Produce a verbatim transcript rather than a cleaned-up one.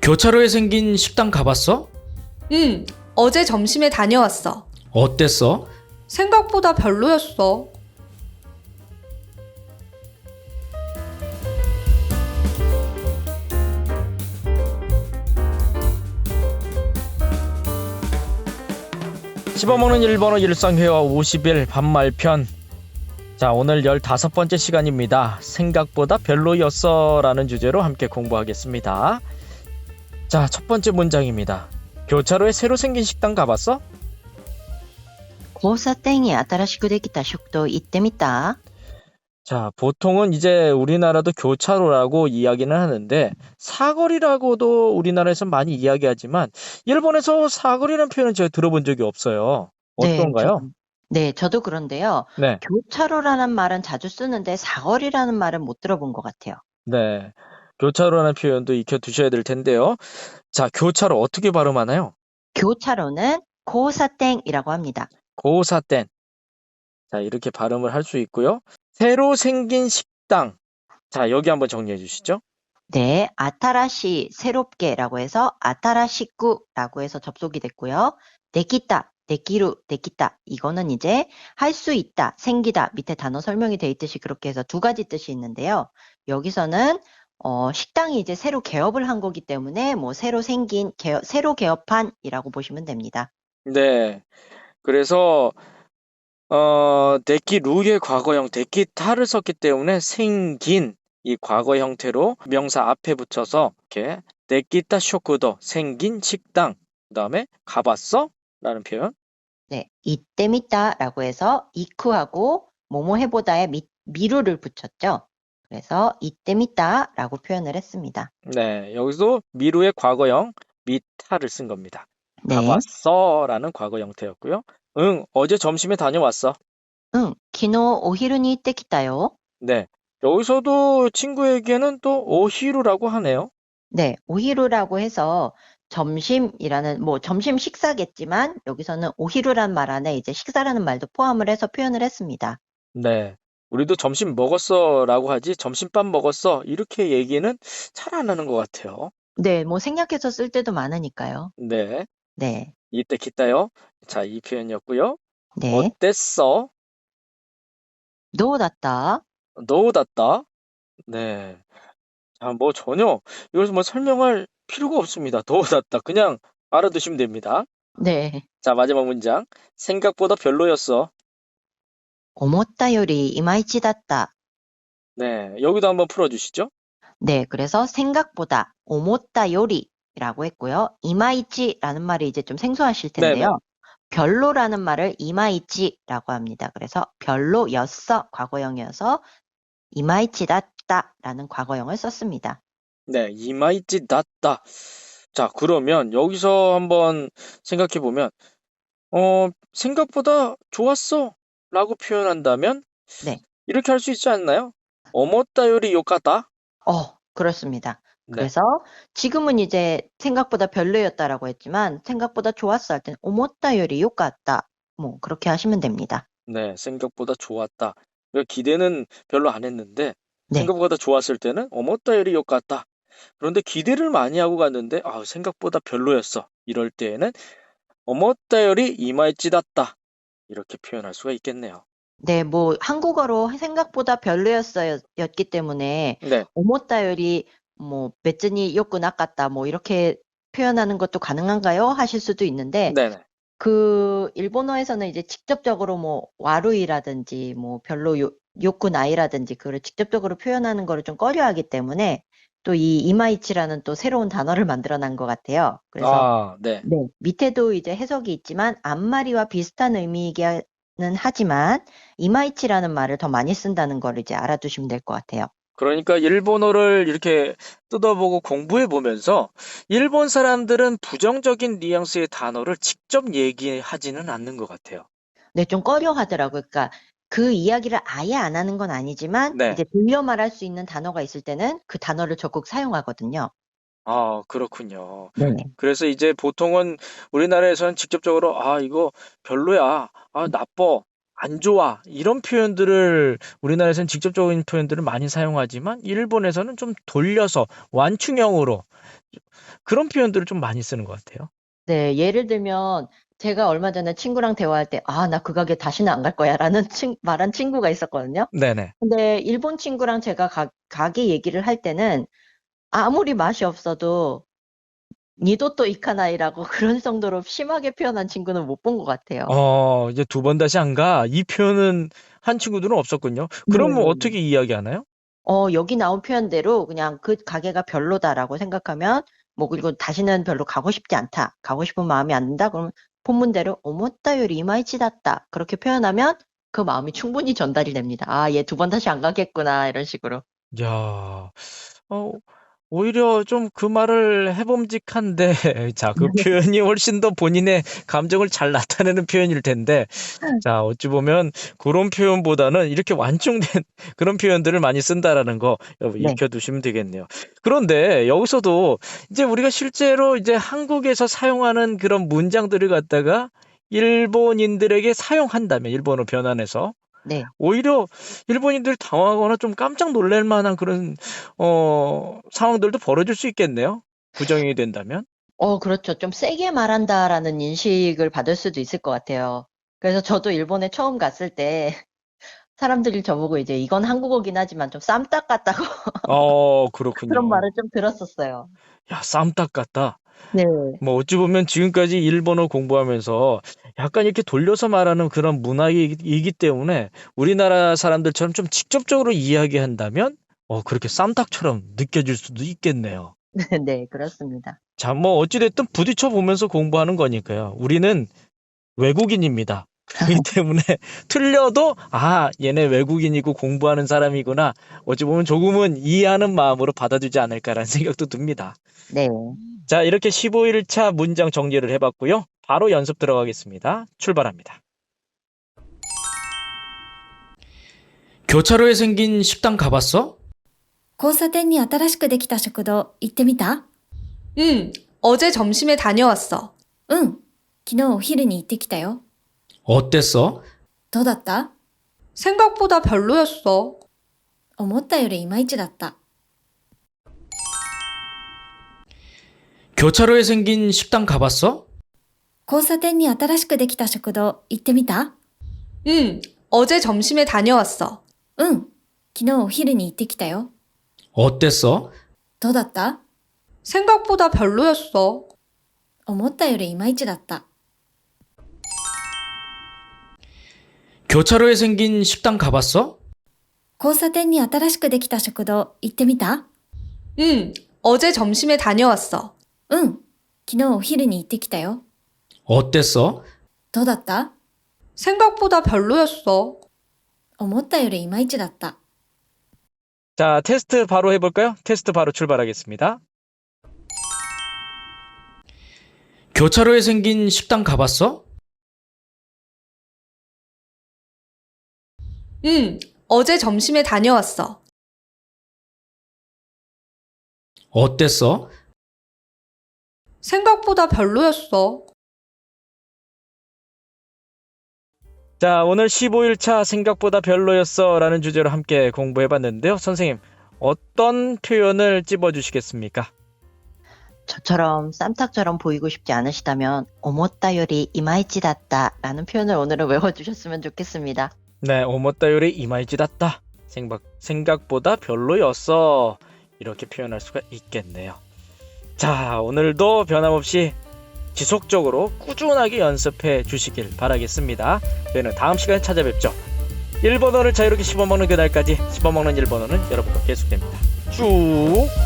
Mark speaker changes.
Speaker 1: 교차로에 생긴 식당 가봤어?
Speaker 2: 응, 어제 점심에 다녀왔어.
Speaker 1: 어땠어?
Speaker 2: 생각보다 별로였어.
Speaker 3: 씹어먹는 일본어 일상회화 오십 일 반말편. 자, 오늘 열다섯 번째 시간입니다. 생각보다 별로였어 라는 주제로 함께 공부하겠습니다. 자, 첫 번째 문장입니다. 교차로에 새로 생긴 식당 가봤어?
Speaker 4: 交差点に新しくできた食堂行ってみた?
Speaker 3: 자, 보통은 이제 우리나라도 교차로라고 이야기는 하는데 사거리라고도 우리나라에서 많이 이야기하지만 일본에서 사거리라는 표현은 제가 들어본 적이 없어요. 어떤가요?
Speaker 4: 네, 저, 네, 저도 그런데요.
Speaker 3: 네,
Speaker 4: 교차로라는 말은 자주 쓰는데 사거리라는 말은 못 들어본 것 같아요.
Speaker 3: 네. 교차로라는 표현도 익혀두셔야 될 텐데요. 자, 교차로 어떻게 발음하나요?
Speaker 4: 교차로는 고사땡이라고 합니다.
Speaker 3: 고사땐. 자, 이렇게 발음을 할 수 있고요. 새로 생긴 식당. 자, 여기 한번 정리해 주시죠.
Speaker 4: 네, 아타라시 새롭게라고 해서 아타라시쿠라고 해서 접속이 됐고요. 데키타, 데키루, 데키타 이거는 이제 할 수 있다, 생기다 밑에 단어 설명이 돼 있듯이 그렇게 해서 두 가지 뜻이 있는데요. 여기서는 어, 식당이 이제 새로 개업을 한 거기 때문에 뭐 새로 생긴 개업, 새로 개업한이라고 보시면 됩니다.
Speaker 3: 네. 그래서 어, 데키루의 과거형 데키타를 썼기 때문에 생긴 이 과거 형태로 명사 앞에 붙여서 이렇게 데키타 쇼쿠도 생긴 식당. 그다음에 가봤어? 라는 표현.
Speaker 4: 네, 이때미다라고 해서 이쿠하고 뭐뭐 해보다에 미, 미루를 붙였죠. 그래서 이때미다라고 표현을 했습니다.
Speaker 3: 네, 여기서 미루의 과거형 미타를 쓴 겁니다.
Speaker 4: 네,
Speaker 3: 가봤어 라는 과거 형태였고요. 응, 어제 점심에 다녀왔어.
Speaker 4: 응, 키노 오히루니 이때키타요.
Speaker 3: 네, 여기서도 친구에게는 또 오히루라고 하네요.
Speaker 4: 네, 오히루라고 해서 점심이라는 뭐 점심 식사겠지만 여기서는 오히루란 말 안에 이제 식사라는 말도 포함을 해서 표현을 했습니다.
Speaker 3: 네, 우리도 점심 먹었어 라고 하지 점심밥 먹었어 이렇게 얘기는 잘 안 하는 것 같아요.
Speaker 4: 네, 뭐 생략해서 쓸 때도 많으니까요.
Speaker 3: 네,
Speaker 4: 네,
Speaker 3: 이때 기타요. 자, 이 표현이었고요.
Speaker 4: 네,
Speaker 3: 어땠어?
Speaker 4: 노다った?
Speaker 3: 너우dat다. 네, 자, 뭐 전혀 이것을 뭐 설명할 필요가 없습니다. 너우dat다. 그냥 알아두시면 됩니다.
Speaker 4: 네,
Speaker 3: 자, 마지막 문장. 생각보다 별로였어.
Speaker 4: 思ったよりいまいちだった.
Speaker 3: 네, 여기도 한번 풀어주시죠.
Speaker 4: 네, 그래서 생각보다 오모타 요리라고 했고요. 이마이치라는 말이 이제 좀 생소하실 텐데요.
Speaker 3: 네네.
Speaker 4: 별로라는 말을 이마이치라고 합니다. 그래서 별로였어 과거형이어서 이마이치다다라는 과거형을 썼습니다.
Speaker 3: 네, 이마이치 낫다. 자, 그러면 여기서 한번 생각해 보면, 어, 생각보다 좋았어 라고 표현한다면
Speaker 4: 네,
Speaker 3: 이렇게 할 수 있지 않나요? 어머따 요리 요까다.
Speaker 4: 어, 그렇습니다.
Speaker 3: 네,
Speaker 4: 그래서 지금은 이제 생각보다 별로였다라고 했지만 생각보다 좋았어 할 때는 오모타 요리 요까다. 뭐 그렇게 하시면 됩니다.
Speaker 3: 네, 생각보다 좋았다. 그러니까 기대는 별로 안 했는데
Speaker 4: 네.
Speaker 3: 생각보다 좋았을 때는 어머따 요리 요까다. 그런데 기대를 많이 하고 갔는데 아, 생각보다 별로였어. 이럴 때에는 어머따 요리 이마이찌다다. 이렇게 표현할 수가 있겠네요.
Speaker 4: 네, 뭐 한국어로 생각보다 별로였어였기 때문에
Speaker 3: 네,
Speaker 4: 오모타요리 뭐別によくなかった뭐 이렇게 표현하는 것도 가능한가요? 하실 수도 있는데
Speaker 3: 네네.
Speaker 4: 그 일본어에서는 이제 직접적으로 뭐 와루이라든지 뭐 별로 요, 요쿠나이라든지 그걸 직접적으로 표현하는 거를 좀 꺼려하기 때문에 또 이 이마이치라는 또 새로운 단어를 만들어 난 것 같아요. 그래서
Speaker 3: 아, 네.
Speaker 4: 네, 밑에도 이제 해석이 있지만 앞말이와 비슷한 의미이기는 하지만 이마이치라는 말을 더 많이 쓴다는 걸 이제 알아두시면 될 것 같아요.
Speaker 3: 그러니까 일본어를 이렇게 뜯어보고 공부해 보면서 일본 사람들은 부정적인 뉘앙스의 단어를 직접 얘기하지는 않는 것 같아요.
Speaker 4: 네, 좀 꺼려 하더라고요. 그러니까 그 이야기를 아예 안 하는 건 아니지만
Speaker 3: 네.
Speaker 4: 이제 돌려 말할 수 있는 단어가 있을 때는 그 단어를 적극 사용하거든요.
Speaker 3: 아, 그렇군요.
Speaker 4: 네.
Speaker 3: 그래서 이제 보통은 우리나라에서는 직접적으로 아, 이거 별로야. 아, 나빠. 안 좋아 이런 표현들을 우리나라에서는 직접적인 표현들을 많이 사용하지만 일본에서는 좀 돌려서 완충형으로 그런 표현들을 좀 많이 쓰는 것 같아요.
Speaker 4: 네, 예를 들면 제가 얼마 전에 친구랑 대화할 때, 아, 나 그 가게 다시는 안 갈 거야 라는 친, 말한 친구가 있었거든요.
Speaker 3: 네네.
Speaker 4: 근데 일본 친구랑 제가 가, 가게 얘기를 할 때는 아무리 맛이 없어도 니도또 이카나이라고 그런 정도로 심하게 표현한 친구는 못 본 것 같아요.
Speaker 3: 어, 이제 두 번 다시 안 가. 이 표현은 한 친구들은 없었군요. 그러면
Speaker 4: 네네네.
Speaker 3: 어떻게 이야기하나요?
Speaker 4: 어, 여기 나온 표현대로 그냥 그 가게가 별로다라고 생각하면, 뭐, 그리고 다시는 별로 가고 싶지 않다. 가고 싶은 마음이 안 든다. 그러면 본문대로, 오모타 요리 이마이치 다った. 그렇게 표현하면 그 마음이 충분히 전달이 됩니다. 아, 얘 두 번 다시 안 가겠구나. 이런 식으로.
Speaker 3: 야, 어, 오히려 좀 그 말을 해봄직한데, 자, 그 표현이 훨씬 더 본인의 감정을 잘 나타내는 표현일 텐데, 자, 어찌 보면 그런 표현보다는 이렇게 완충된 그런 표현들을 많이 쓴다라는 거 여러분
Speaker 4: 네.
Speaker 3: 익혀두시면 되겠네요. 그런데 여기서도 이제 우리가 실제로 이제 한국에서 사용하는 그런 문장들을 갖다가 일본인들에게 사용한다면, 일본어 변환해서
Speaker 4: 네.
Speaker 3: 오히려 일본인들이 당황하거나 좀 깜짝 놀랄 만한 그런 어, 상황들도 벌어질 수 있겠네요. 부정이 된다면.
Speaker 4: 어, 그렇죠. 좀 세게 말한다라는 인식을 받을 수도 있을 것 같아요. 그래서 저도 일본에 처음 갔을 때 사람들이 저보고 이제 이건 한국어긴 하지만 좀 쌈딱 같다고
Speaker 3: 어,
Speaker 4: 그런
Speaker 3: 그렇군요.
Speaker 4: 말을 좀 들었었어요.
Speaker 3: 야, 쌈딱 같다.
Speaker 4: 네.
Speaker 3: 뭐 어찌 보면 지금까지 일본어 공부하면서 약간 이렇게 돌려서 말하는 그런 문화이기 때문에 우리나라 사람들처럼 좀 직접적으로 이야기한다면 어, 그렇게 쌈딱처럼 느껴질 수도 있겠네요.
Speaker 4: 네, 그렇습니다.
Speaker 3: 자, 뭐 어찌됐든 부딪혀 보면서 공부하는 거니까요. 우리는 외국인입니다. 그렇기 때문에 틀려도 아, 얘네 외국인이고 공부하는 사람이구나. 어찌 보면 조금은 이해하는 마음으로 받아주지 않을까라는 생각도 듭니다.
Speaker 4: 네.
Speaker 3: 자, 이렇게 십오 일 차 문장 정리를 해봤고요. 바로 연습 들어가겠습니다. 출발합니다.
Speaker 1: 교차로에 생긴 식당 가봤어?
Speaker 5: 交差点に新しくできた食堂行ってみた？
Speaker 2: 응, 어제 점심에 다녀왔어.
Speaker 5: うん。昨日お昼に行ってきたよ。
Speaker 1: 어땠어?
Speaker 5: どうだった？
Speaker 2: 생각보다 별로였어.
Speaker 5: 思ったよりいまいちだった。
Speaker 1: 교차로에 생긴 식당 가봤어?
Speaker 5: 交差点に新しくできた食堂行ってみた？
Speaker 2: 응, 어제 점심에 다녀왔어.
Speaker 5: うん。昨日お昼に行ってきたよ。
Speaker 1: 어땠어?
Speaker 5: どうだった？
Speaker 2: 생각보다 별로였어.
Speaker 5: 思ったよりいまいちだった。
Speaker 1: 교차로에 생긴 식당 가봤어?
Speaker 5: 交差点に新しくできた食堂行ってみた？
Speaker 2: 응, 어제 점심에 다녀왔어.
Speaker 5: うん。昨日お昼に行ってきたよ。
Speaker 1: 어땠어?
Speaker 5: どうだった？
Speaker 2: 생각보다 별로였어.
Speaker 5: 思ったよりいまいちだった。
Speaker 3: 자, 테스트 바로 해볼까요? 테스트 바로 출발하겠습니다.
Speaker 1: 교차로에 생긴 식당 가봤어?
Speaker 2: 응, 어제 점심에 다녀왔어.
Speaker 1: 어땠어?
Speaker 2: 생각보다 별로였어.
Speaker 3: 자, 오늘 십오 일 차 생각보다 별로였어 라는 주제로 함께 공부해봤는데요. 선생님, 어떤 표현을 찝어주시겠습니까?
Speaker 4: 저처럼 쌈탁처럼 보이고 싶지 않으시다면 오모타 요리 이마이치 다った라는 표현을 오늘은 외워주셨으면 좋겠습니다.
Speaker 3: 네, 오모타 요리 이마이치다った. 생각, 생각보다 별로였어. 이렇게 표현할 수가 있겠네요. 자, 오늘도 변함없이 지속적으로 꾸준하게 연습해 주시길 바라겠습니다. 저희는 다음 시간에 찾아뵙죠. 일본어를 자유롭게 씹어먹는 그날까지 씹어먹는 일본어는 여러분과 계속됩니다. 쭉!